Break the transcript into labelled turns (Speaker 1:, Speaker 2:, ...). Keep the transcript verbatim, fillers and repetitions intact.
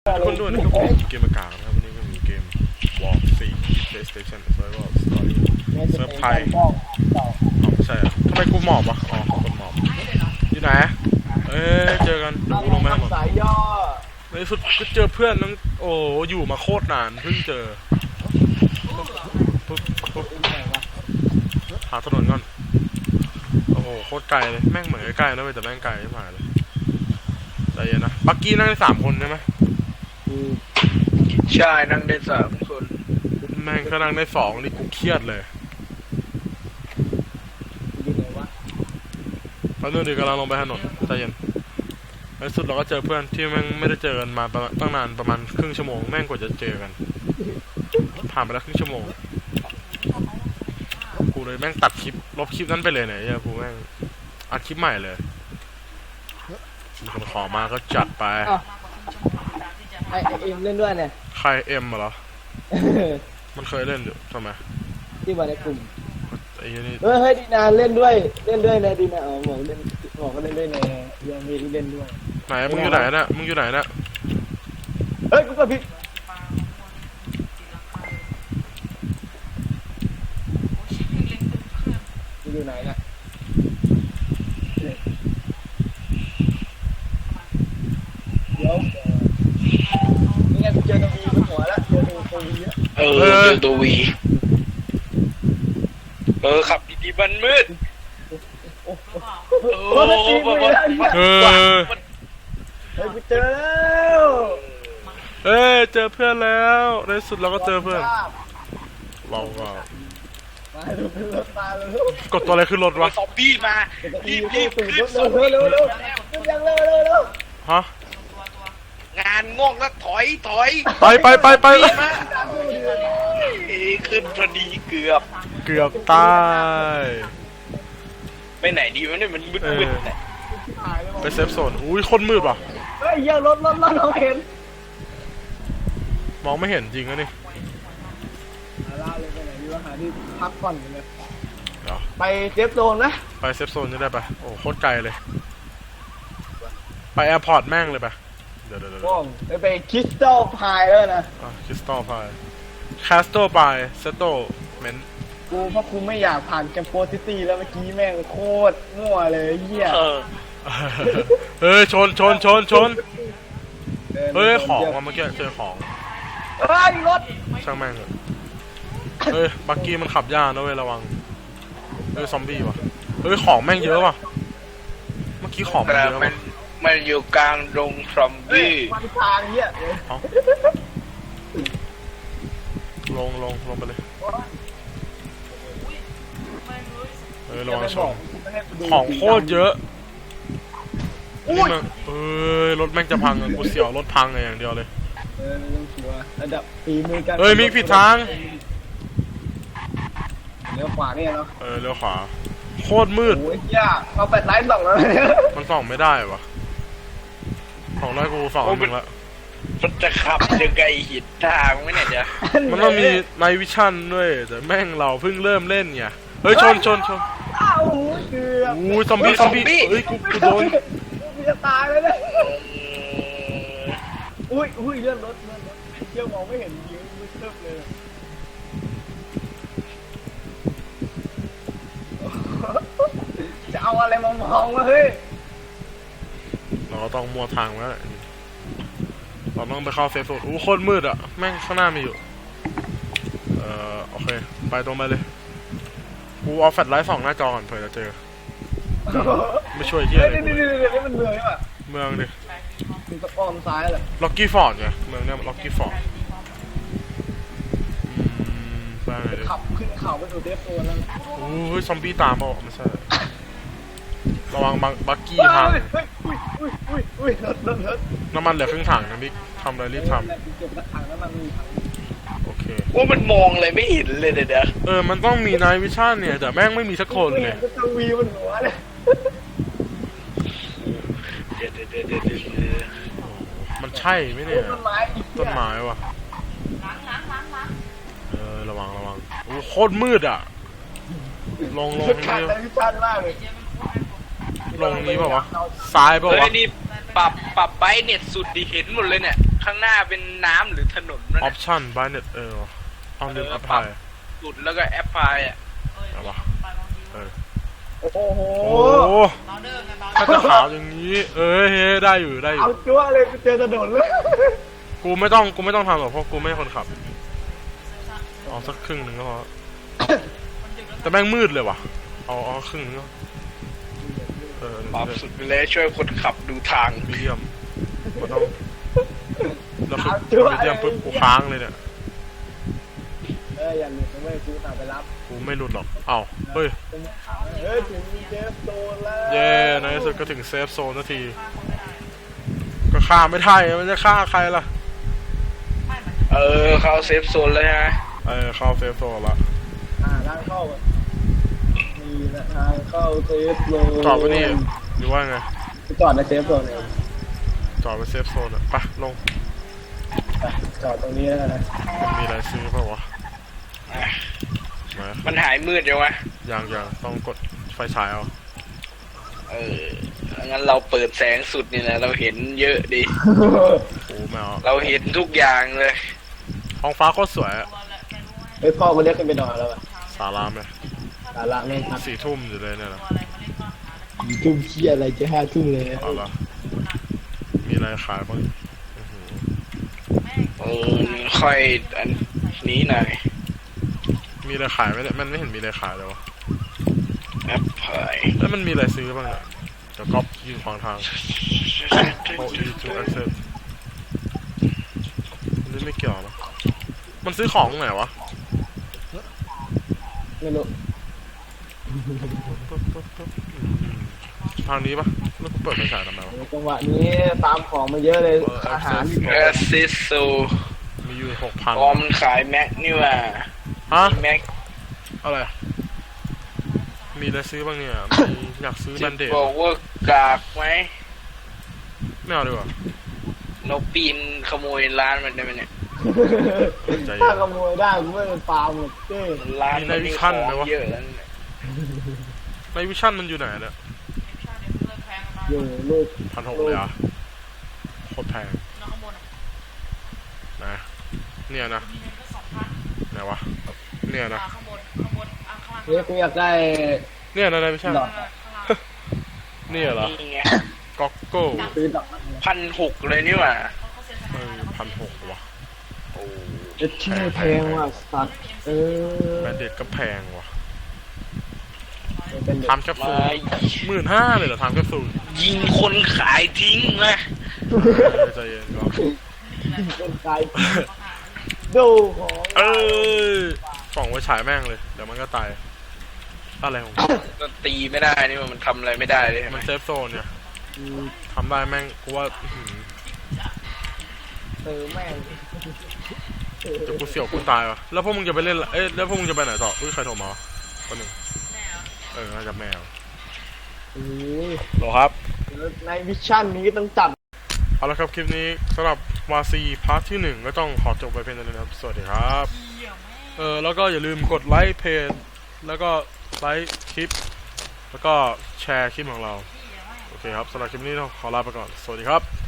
Speaker 1: คนดูนะครับผมเกมอากาศนะครับวันนี้ก็มีเกม War สี่ PlayStation Survival Story เซิร์ฟไทยอ๋อใช่อะทำไมกูหมอบวะอ๋อคนหมอบอยู่ไหนเอ้ยเจอกันเดี๋ยวกูลงมาหมดในสุดก็เจอเพื่อนนึงโอ้อยู่มาโคตรนานเพิ่งเจอปุ๊บปุ๊บหาถนนก่อนโอ้โหโคตรไกลเลยแม่งเหมือนใกล้ๆนะเว้ยแต่แม่งไกลมากเลยใจเย็นนะบักกี้นั่งได้สามคนใช่ไหม
Speaker 2: ใช่นั่งได้สามคน
Speaker 1: แม่งก็นั่งได้สองนี่กูเครียดเลยตอนนี้ดีกำลังลงไปถนนใจเย็นในสุดเราก็เจอเพื่อนที่แม่งไม่ได้เจอกันมาตั้งนานประมาณครึ่งชั่วโมงแม่งกว่าจะเจอกันผ่านไปแล้วครึ่งชั่วโมงกูเลยแม่งตัดคลิปลบคลิปนั้นไปเลยเนี่ยเนี่ยกูแม่งอัดคลิปใหม่เลยมีคนขอมาก็จัดไป
Speaker 3: ไอเอ็มเล่นด้วยเนี่ย
Speaker 1: ใครเอ็มเหรอมันเคยเล่นอยู่ทำไม
Speaker 3: ที่มาในกลุ่ม
Speaker 1: ไอ้นี่
Speaker 3: เฮ้ยเฮ้ยดีนาเล่นด้วยเล่นด้วยนะดีนาอ๋อหมอเล่นหมอก็เล่นด้วยในยังมีที่เล่นด้วย
Speaker 1: ไหนมึงอยู่ไหนนะมึงอยู่ไหนนะ
Speaker 3: เฮ้ยกูกดผิดอยู่ไหนนะเดี๋ยวนี่ไงกูเจอตัววีบนหัวแล้วเจอตัววี
Speaker 2: เออเจอตัววีเออขับดีๆมันมืด
Speaker 3: โอ้โหเฮ้ยกูเจอแล้ว
Speaker 1: เฮ้ยเจอเพื่อนแล้วในสุดเราก็เจอเพื่อนว้าวว้าว
Speaker 3: มาดูเป็นรถมาเลย
Speaker 1: กดตัวอะไรขึ้นรถวะ
Speaker 2: ซอมบี้มารีบรีบขึ้น
Speaker 3: เร็วเร็วเร็วเร็วยังเร็วเร็วเร็ว
Speaker 1: ฮะ
Speaker 2: งานง่วงแล้วถอยถอย
Speaker 1: ไปไปไปไป
Speaker 2: ขึ้นพอดีเกือบ
Speaker 1: เกือบตาย
Speaker 2: ไปไหนดีวะเนี่ยมันมืดมืด
Speaker 1: ไปเซฟโซนอุ้ยคนมืดป่ะ
Speaker 3: เฮ้ยยังรถรถรถเราเห็น
Speaker 1: มองไม่เห็นจริงนะนี่
Speaker 3: ล่าเลยไปไหนดีวะหาที่พักก่อนเลยไปเซฟโซนนะ
Speaker 1: ไปเซฟโซนจะได้ปะโอ้โคตรไกลเลยไปแอร์พอร์ตแม่งเลยปะเดี๋ยวเดี๋ยวเดี๋
Speaker 3: ยวไปคริสตัลพายแล้วนะ
Speaker 1: คริสตัลพายคาสโตพายเซโตเมน
Speaker 3: กูเพราะกูไม่อยากผ่านแกมโปซิตี้แล้วเมื่อกี้แม่งโคตรมั่วเลยเหี้ย
Speaker 1: เฮ้ยชนชนชนชนเฮ้ยของมาเมื่อกี้เจอของ
Speaker 3: เฮ้ยรถ
Speaker 1: ช่างแม่งเลยเฮ้ยบักกี้มันขับยากนะเว้ยระวังเฮ้ยซอมบี้ว่ะเฮ้ยของแม่งเยอะว่ะเมื่อกี้ของมันเยอะมัน
Speaker 2: มันอยู่กลางดงซอมบี้
Speaker 3: มันทางเหี้ย
Speaker 1: ลงลงลงไปเลยเฮ้ยระวังชนของโคตรเยอะนี่มันเอ้ยรถแม่งจะพังอ่ะกูเสียวรถพังอย่างเดียวเลย
Speaker 3: เออไม่ต้องกลัวระดับฝีมือกัน
Speaker 1: เฮ้ยมีผิดทาง
Speaker 3: เลี้ยวขวาเนี่ยเนาะ
Speaker 1: เออเลี้ยวขวาโคตรมืด
Speaker 3: โอ้ยยากเอาแปดไลท์ส่องแล้ว
Speaker 1: มันส่องไม่ได้วะส่องได้กูส่องมึงละ
Speaker 2: มันจะขับยังไงหินทางไม่เนี่ยจะ
Speaker 1: มันต้องมีไนท์วิชั่นด้วยแต่แม่งเราเพิ่งเริ่มเล่นไงเฮ้ยชนชนชน
Speaker 3: อ้าวเกือบ
Speaker 1: อู้ซอมบี้ซอมบี้เฮ้ยกูกูโดน
Speaker 3: กูจะตายเลยเนี่ยอุ้ยอุ้ยเลื่อนรถเลื่อนรถเที่ยวมองไม่เห็นยิงมืดตึ๊บเลยจะเอาอะไรมามองวะเฮ้ย
Speaker 1: เราก็ต้องมัวทางแล้วเราต้องไปเข้าเซฟโซนอู้โคตรมืดอ่ะแม่งข้างหน้ามีอยู่เอ่อโอเคไปตรงไปเลยกูเอาแฟลชไลท์ส่องหน้าจอก่อนเผื่อจะเจอไม่ช่วยเฮียเลย
Speaker 3: นี่นี่นี่นี่มันเมืองใช่ป่ะ
Speaker 1: เมืองดิ
Speaker 3: มีสปอมซ้ายเลย
Speaker 1: ล็อกกี้ฟอร์ดไงเมืองเนี้ยล็อกกี้ฟอร์ดไปไหนดิ
Speaker 3: ขับขึ้นเขาไปสู่เดฟโซนแล้ว
Speaker 1: โอ้ยซอมบี้ตามมาไม่ใช่ระวังบักกี้พัง
Speaker 3: อุ้ยอุ้ยอุ้ยอุ้ยรถรถรถ
Speaker 1: น้ำมันเหลือครึ่งถังนะบิ๊กทำอะไรรีบทำโอเค
Speaker 2: ว่ามันมองอะไรไม่เห็นเลยเดี๋ยว
Speaker 1: เออมันต้องมีไนท์วิชั่นเนี่ยแต่แม่งไม่มีสักคนเลย
Speaker 3: จะวีบนหัวเลย
Speaker 1: มันใช่ไหมเนี่ยต้นไม้ว่ะเออระวังระวังโอ้โคตรมืดอ่ะลงลงนี่ลงนี้ป่าววะซ้ายป่าววะ
Speaker 2: นี่ปรับปรับไปเน็ตสุดดีเห็นหมดเลยเนี่ยข้างหน้าเป็นน้ำหรือถนนนั่น
Speaker 1: ออ
Speaker 2: น่ะ
Speaker 1: ปชั่นบายเน็ตเออเอาลืมอัพพลาย
Speaker 2: สุดแล้วก็แอปพลายอ่ะ
Speaker 1: เอาวะเออ
Speaker 3: โอ้โห
Speaker 1: โอ้โหถ้าจะขาวอย่างนี้เอ้ยเฮ้ยได้อยู่ได้อยู่
Speaker 3: เอาจั่วเลยกูเจอถนนเลย
Speaker 1: กูไม่ต้องกูไม่ต้องทำหรอกเพราะกูไม่ใช่คนขับเอาสักครึ่งหนึ่งก็พอแต่แม่งมืดเลยว่ะเอาเอาครึ่งหนึงก็เออ
Speaker 2: ปรับสุดไปเลยช่วยคนขับดูทาง
Speaker 1: มีเดียมก็ต้องแล้วคือมีเดียมปุ๊บกูค้างเลยเนี่ย
Speaker 3: เอออย่าหลุดนะเว้ยกูตามไปรับ
Speaker 1: กูไม่หลุดหรอกเอ้าเฮ้ย
Speaker 3: เฮ้ยถึงเจฟโซนแล้ว
Speaker 1: เย่ในที่สุดก็ถึงเซฟโซนนาทีก็ฆ่าไม่ได้มันจะฆ่าใครล่ะ
Speaker 2: เออเข้าเซฟโซนเลยฮะ
Speaker 1: เออเข้าเซฟโซนละ
Speaker 3: อ่าทางเข้าอ่ะมีนะทางเข้าเซฟโซน
Speaker 1: จอดไว้นี่หรือว่าไง
Speaker 3: จอดในเซฟโซนเลย
Speaker 1: จอดไปเซฟโซนอ่ะไปลง
Speaker 3: ไปจอดตรงนี้แล้วนะ
Speaker 1: มันมีอะไรซื้อเปล่าวะ
Speaker 2: อ่ะ
Speaker 1: มา
Speaker 2: มันหายมืดยังวะ
Speaker 1: อย่างอย่างต้องกดไฟฉายเอา
Speaker 2: เอองั้นเราเปิดแสงสุดนี่แหละเราเห็นเยอะดิ
Speaker 1: โอ้แมว
Speaker 2: เราเห็นทุกอย่างเลย
Speaker 1: ท้องฟ้าโคตรสวยอะ
Speaker 3: เฮ้ยพ่อกูเรียกขึ้นไปนอนแล้วอ่ะ
Speaker 1: สารามเลย
Speaker 3: สาระไม่พัก
Speaker 1: สี่ทุ่มอยู่เลยเนี่ยนะ
Speaker 3: ทุ่มเที่ยอะไรจะห้าทุ่มเลย
Speaker 1: เอาละมีอะไรขายบ้างอื้อหือ
Speaker 2: เออค่อยอันนี้หน่อย
Speaker 1: มีอะไรขายไหมเนี่ยมันไม่เห็นมีอะไรขายเลยวะ
Speaker 2: แอปพลาย
Speaker 1: แล้วมันมีอะไรซื้อบ้างเนี่ยเดี๋ยวก๊อปยืนขวางทางโอ้ยจูแอคเซสอันนี้ไม่เกี่ยวนะมันซื้อของไหนวะ
Speaker 3: ไม่รู้
Speaker 1: ปึ๊บปึ๊บปึ๊บอืมทางนี้ปะแล้วกูเปิดไฟฉายทำไมวะ
Speaker 3: จังหวะนี้ตามของมาเยอะเลยอาหาร
Speaker 2: แอสซิสโซ
Speaker 1: มีอยู่หกพัน
Speaker 2: ออมนขายแม็กนี่ว่า
Speaker 1: ฮะ
Speaker 2: แม็ก
Speaker 1: อะไรมีอะไรซื้อบ้างเนี่ยมีอยากซื้อแบ
Speaker 2: จะ
Speaker 1: นเดด
Speaker 2: บอกว่ากากไหม
Speaker 1: ไม่เอาดีกว่า
Speaker 2: เราปีนขโมยร้านมันได้ไหมเนี่ย
Speaker 1: ใจเย็น
Speaker 3: ถ้าขโมยได้กูไม่เป็นฟาร์มหรอกเจ้
Speaker 2: ร้านมันมีของเยอะแล้วเนี่ย
Speaker 1: ในวิชั่นมันอยู่ไหนเนี่ย
Speaker 3: อยู่ลูก
Speaker 1: พันหกเลยอ่ะโคตรแพงนะเนี่ยนะไหนวะเนี่ยนะ
Speaker 3: เนี่ยกูอยากได้
Speaker 1: เนี่ยนะในวิชั่น
Speaker 3: ดอก
Speaker 1: เนี่ยเหรอ
Speaker 2: นี่ไง
Speaker 1: ก็อกโก้
Speaker 3: ซื้อดอก
Speaker 2: พันหกเลยนี่หว่า
Speaker 1: เออพันหกว่ะ
Speaker 2: โอ้
Speaker 3: จะชื่อแพงว่ะสัตว์เออ
Speaker 1: แบนเดดก็แพงว่ะ
Speaker 3: เป็นเด็ก
Speaker 1: ทำแคปซู
Speaker 2: มา
Speaker 1: ลหมื่นห้าเลยเหรอทำแคปซูล
Speaker 2: ยิงคนขายทิ้งนะ
Speaker 1: เออใจเย็นก็
Speaker 3: เป็นไกด์ดูของ
Speaker 1: เออส่องไว้ฉายแม่งเลยเดี๋ยวมันก็ตายอะไรของมัน
Speaker 2: ก็ตีไม่ได้นี่มันทำอะไรไม่ได้เลยใช่ไหม
Speaker 1: มันเซฟโซนเนี่ยทำได้แม่งกูว่าอื้อหือ
Speaker 3: เออแม่ง
Speaker 1: เดี๋ยวกูเสี่ยวกูตายวะแล้วพวกมึงจะไปเล่นละเอ้ยแล้วพวกมึงจะไปไหนต่ออุ้ยใครโทรมาวะคนหนึ่งเออน่าจะแมว
Speaker 3: โอ้ย
Speaker 1: หรอครับ
Speaker 3: ในวิชั่นนี้ต้องจัด
Speaker 1: เอาละครับคลิปนี้สำหรับวาซีพาร์ทที่หนึ่งก็ต้องขอจบไปเพียงเท่านี้นะครับสวัสดีครับเออแล้วก็อย่าลืมกดไลค์เพจแล้วก็ไลค์คลิปแล้วก็แชร์คลิปของเราโอเคครับสำหรับคลิปนี้ต้องขอลาไปก่อนสวัสดีครับ